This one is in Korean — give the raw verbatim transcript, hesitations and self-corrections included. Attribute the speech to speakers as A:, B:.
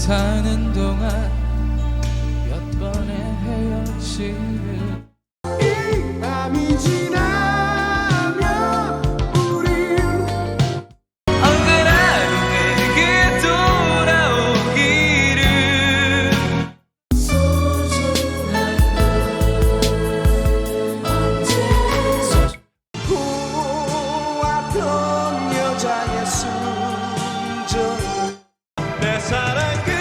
A: 사는 동안 몇 번의 헤어짐을
B: 이 밤이 지나면 우린
A: 언제나 내게 돌아오기를. 소중한 언제
B: 보았던 여자의 순정 내 사랑